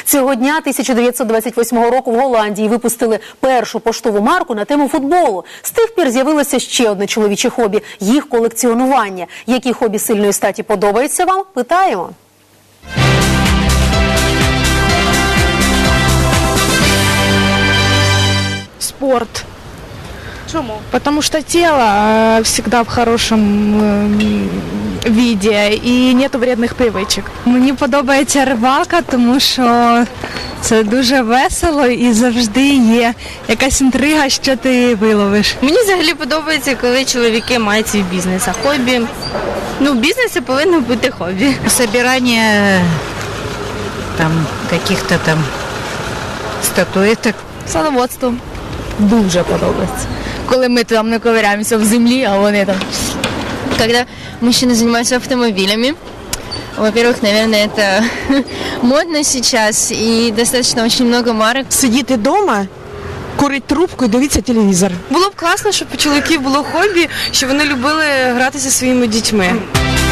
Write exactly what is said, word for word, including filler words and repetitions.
Цього дня тисяча дев'ятсот двадцять восьмого року в Голландії випустили першу поштову марку на тему футболу. З тих пір з'явилося ще одне чоловіче хобі – їх колекціонування. Які хобі сильної статі подобаються вам? Питаємо. Спорт. Чому? Потому что тело э, всегда в хорошем э, виде и нет вредних привичок. Мені подобається рибалка, тому що це дуже весело і завжди є якась інтрига, що ти виловиш. Мені взагалі подобається, коли чоловіки мають свій бізнес, а хобі, ну, в бізнесі повинно бути хобі. Собирание там каких-то там статуэток. Садоводство. Дуже подобається. Коли ми там не ковиряємося в землі, а вони там. Когда мужчины занимаются автомобилями, во-первых, наверное, это модно сейчас и достаточно очень много марок. Сидіти вдома, курити трубку і дивитися телевізор. Було б класно, щоб у чоловіків було хобі, щоб вони любили грати зі своїми дітьми.